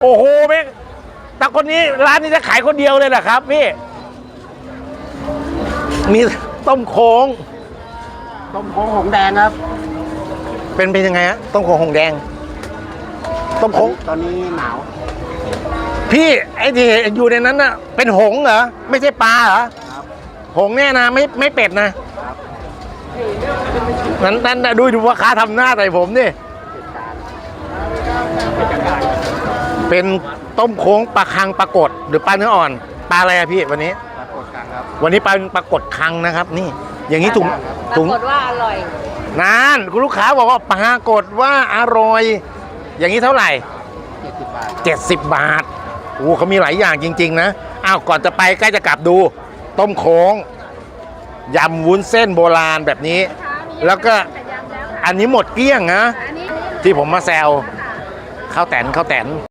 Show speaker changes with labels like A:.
A: โอ้โหแม่แต่คนนี้ร้านนี้จะขายคนเดียวเลยนะครับพี่มีต้มโค้ง
B: หงแดงครับ
A: เป็นยังไงฮะต้มโค้งหงแดงต้มโค้ง
B: ตอนนี้หนาว
A: พี่ไอ้ที่อยู่ในนั้นน่ะเป็นหงเหรอไม่ใช่ปลาเหรอหงแน่นะไม่เป็ดนะนั้นดูว่าค้าทำหน้าใส่ผมนี่เป็นต้มโค้งปลาคังปลากดหรือปลาเนื้ออ่อนปลาอะไรอะพี่วันนี้
B: ปรากฏกันครับ
A: วันนี้ปลากดคังนะครับนี่อย่างนี้
C: ปรากฏว่าอร่อย
A: นั่นคุณลูกค้าบอกว่าปรากฏว่าอร่อยอย่างนี้เท่าไหร่70 บาทโอ้เขามีหลายอย่างจริงๆนะอ้าวก่อนจะไปใกล้จะกลับดูต้มโค้งยำวุ้นเส้นโบราณแบบนี้แล้วก็อันนี้หมดเกลี้ยงนะที่ผมมาแซวข้าวแตน